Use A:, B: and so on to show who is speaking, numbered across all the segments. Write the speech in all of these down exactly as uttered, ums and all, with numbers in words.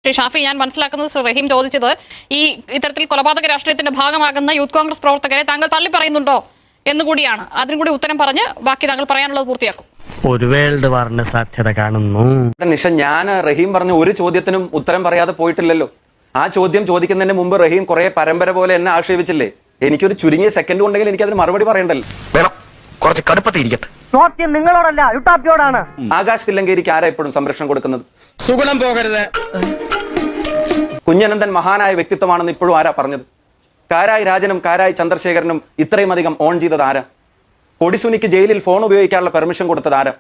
A: ശ്രീ ഷാഫി, ഞാൻ മനസ്സിലാക്കുന്നത് ശ്രീ റഹീം ചോദിച്ചത് ഈ ഇത്തരത്തിൽ കൊലപാതക രാഷ്ട്രീയത്തിന്റെ ഭാഗമാകുന്ന യൂത്ത് കോൺഗ്രസ് പ്രവർത്തകരെ താങ്കൾ തള്ളി പറയുന്നുണ്ടോ എന്നുകൂടിയാണ്. അതിനും കൂടി ഉത്തരം പറഞ്ഞ് ബാക്കി താങ്കൾ പറയാനുള്ളത് പൂർത്തിയാക്കും.
B: ഒരു വേൾഡ് വാറിന് സാധ്യത കാണുന്നു.
C: നിഷ, ഞാൻ റഹീം പറഞ്ഞ ഒരു ചോദ്യത്തിനും ഉത്തരം പറയാതെ പോയിട്ടില്ലല്ലോ. ആ ചോദ്യം ചോദിക്കുന്നതിന് മുമ്പ് റഹീം കുറെ പരമ്പര പോലെ എന്നെ ആക്ഷേപിച്ചില്ലേ? എനിക്കൊരു ചുരുങ്ങിയ സെക്കൻഡ് ഉണ്ടെങ്കിൽ എനിക്ക് അതിന് മറുപടി പറയണ്ടല്ലോ.
B: കുറച്ച് കടുപ്പത്തിരിക്കട്ടെ.
D: ചോദ്യം നിങ്ങളോടല്ല, യുട്ടാപ്പിയോടാണ്.
C: ആകാശ് തില്ലങ്കേരിക്ക് ആരാ എപ്പോഴും സംരക്ഷണം കൊടുക്കുന്നത്?
B: സുഗുണം പോകരുത്.
C: കുഞ്ഞനന്ദൻ മഹാനായ വ്യക്തിത്വമാണെന്ന് ഇപ്പോഴും ആരാ പറഞ്ഞത്? കാരായി രാജനും കാരായി ചന്ദ്രശേഖരനും ഇത്രയും അധികം ഓൺ ചെയ്തത് ആരാ? കൊടിസുനിക്ക് ജയിലിൽ ഫോൺ ഉപയോഗിക്കാനുള്ള പെർമിഷൻ കൊടുത്തത് ആരാ?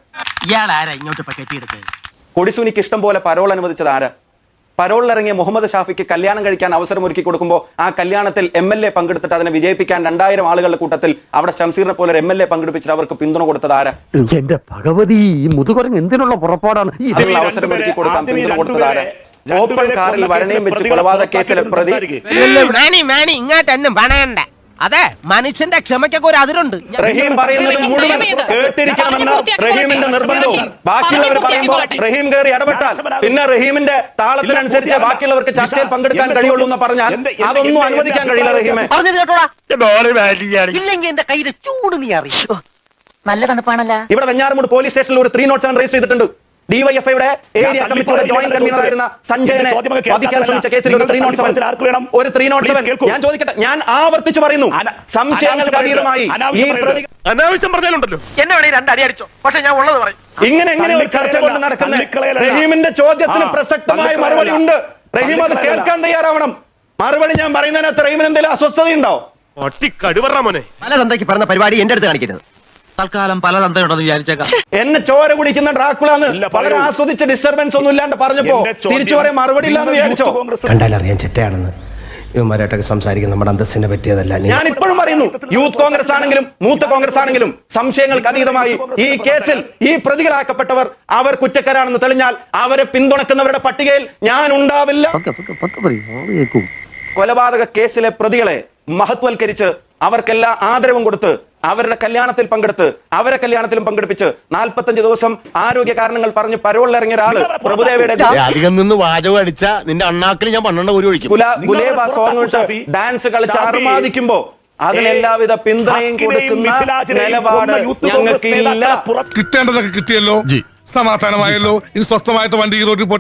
C: കൊടിസുനിക്ക് ഇഷ്ടം പോലെ പരോൾ അനുവദിച്ചത് ആരാ? പരോളിലിറങ്ങിയ മുഹമ്മദ് ഷാഫിക്ക് കല്യാണം കഴിക്കാൻ അവസരം ഒരുക്കി കൊടുക്കുമ്പോൾ ആ കല്യാണത്തിൽ എം എൽ എ പങ്കെടുത്തിട്ട് അതിനെ വിജയിപ്പിക്കാൻ രണ്ടായിരം ആളുകളുടെ കൂട്ടത്തിൽ അവിടെ ഷംസീറിനെ പോലെ എം എൽ എ പങ്കെടുപ്പിച്ചിട്ട് അവർക്ക് പിന്തുണ കൊടുത്തത് ആരാ?
B: എന്റെ ഭഗവതി, മുതുകുരങ്ങ് എന്തിനുള്ള പുറപ്പാടാണ്?
C: അതിനുള്ള അവസരം ഒരുക്കി കൊടുക്കാൻ പിന്തുണ കൊടുത്തത് ആരാ? ഓപ്പൺ കാറിൽ വരണയും വെച്ച് കൊലപാതക കേസിലെ പ്രതി
E: ഇങ്ങോട്ടൊന്നും പണയണ്ട. അതെ, മനുഷ്യന്റെ ക്ഷമയ്ക്കൊക്കെ ഒരു അതിരുണ്ട്.
C: റഹീം പറയുന്നത് മുഴുവൻ കേട്ടിരിക്കണമെന്ന റഹീമിന്റെ നിർബന്ധവും ബാക്കിയുള്ളവർ പറയുമ്പോൾ റഹീം കയറി ഇടപെട്ടാൽ പിന്നെ റഹീമിന്റെ താളത്തിനനുസരിച്ച് ബാക്കിയുള്ളവർക്ക് ചർച്ചയിൽ പങ്കെടുക്കാൻ കഴിയുള്ളൂ എന്ന് പറഞ്ഞാൽ അതൊന്നും അനുവദിക്കാൻ കഴിയില്ല. റഹീമെ,
D: ഇല്ലെങ്കിൽ എന്റെ കയ്യിലെ ചൂട് നീ അറിയോ? നല്ല തണുപ്പാണല്ല.
C: ഇവിടെ വെഞ്ഞാറമൂട് പോലീസ് സ്റ്റേഷനിൽ ഒരു ത്രീ നോട്ട് സെവൻ രജിസ്റ്റർ ചെയ്തിട്ടുണ്ട്. ഡിവൈഎഫ്ഐയുടെ ഏരിയ കമ്മിറ്റിയുടെ ജോയിന്റ് കൺവീനർ ആയിരുന്ന സഞ്ജയനെ വധിക്കാൻ ശ്രമിച്ച കേസിൽ ഒരു ത്രീ നോട്ട് സെവൻ ഒരു ത്രീ നോട്ട് സെവൻ ഞാൻ ചോദിക്കട്ടെ, ഞാൻ ആവർത്തിച്ചു പറയുന്നു, സംശയങ്ങൾക്ക് അതീതമായി ഈ പ്രതി
B: അനാവശ്യം പറഞ്ഞാലുണ്ടല്ലോ
D: എന്നെ വേണേ രണ്ടടി അടിച്ചോ, പക്ഷെ ഞാൻ ഉള്ളത് പറയും.
C: ഇങ്ങനെ എങ്ങനെ ഒരു ചർച്ച കൊണ്ട് നടക്കുന്നത്? റഹീമിന്റെ ചോദ്യത്തിന് പ്രസക്തമായ മറുപടി ഉണ്ട്. റഹീം അത് കേൾക്കാൻ തയ്യാറാവണം. മറുപടി ഞാൻ പറയുന്നതിനകത്ത് റഹീമിന് എന്തെങ്കിലും അസ്വസ്ഥതയുണ്ടോ?
B: മോനെ,
E: പല തന്തയ്ക്ക് പറഞ്ഞ പരിപാടി എന്റെ അടുത്ത് കാണിക്കരുത്. തൽക്കാലം പല തന്തയുണ്ടെന്ന് വിചാരിച്ചേക്കാം.
C: എന്നെ ചോര കുടിക്കുന്ന ഡ്രാക്കുളാന്ന് വളരെ ആസ്വദിച്ച് ഡിസ്റ്റർബൻസ് ഒന്നും ഇല്ലാണ്ട് പറഞ്ഞപ്പോ തിരിച്ചു പറയാൻ മറുപടി ഇല്ലാന്ന് വിചാരിച്ചോ?
E: കണ്ടാലറിയാൻ ചെറ്റയാണെന്ന് ഇവന്മാരായിട്ടൊക്കെ സംസാരിക്കുന്ന നമ്മുടെ അന്തസ്സിനെ പറ്റിയതല്ല.
C: ഞാൻ ഇപ്പോഴും പറയുന്നു, യൂത്ത് കോൺഗ്രസ് ആണെങ്കിലും മൂത്ത കോൺഗ്രസ് ആണെങ്കിലും സംശയങ്ങൾക്ക് അതീതമായി ഈ കേസിൽ ഈ പ്രതികളാക്കപ്പെട്ടവർ അവർ കുറ്റക്കാരാണെന്ന് തെളിഞ്ഞാൽ അവരെ പിന്തുണക്കുന്നവരുടെ പട്ടികയിൽ ഞാൻ ഉണ്ടാവില്ല. കൊലപാതക കേസിലെ പ്രതികളെ മഹത്വൽക്കരിച്ച് അവർക്കെല്ലാം ആദരവും കൊടുത്ത് അവരുടെ കല്യാണത്തിൽ പങ്കെടുത്ത് അവരെ കല്യാണത്തിലും പങ്കെടുപ്പിച്ച് നാൽപ്പത്തഞ്ച് ദിവസം ആരോഗ്യ കാരണങ്ങൾ പറഞ്ഞ് പരോളിലിറങ്ങിയ ഒരാള് പ്രഭുദേവയുടെ
B: അധികം നിന്ന് വാചകം അടിച്ച നിന്റെ അണ്ണാക്കിൽ ഞാൻ പന്ത്രണ്ട് ഒരു ഒഴിക്കും.
C: ഗുലേബ സോങ് ഡാൻസ് കളിച്ച് അർമാദിക്കുമ്പോ അതിനെല്ലാവിധ പിന്തുണയും കൊടുക്കുന്ന നിലപാട് ഞങ്ങൾക്ക് ഇല്ല.
F: കിട്ടേണ്ടതൊക്കെ കിട്ടിയല്ലോ, സമാധാനമായല്ലോ. ഇനി സ്വസ്ഥമായിട്ട് വണ്ടി റോഡിൽ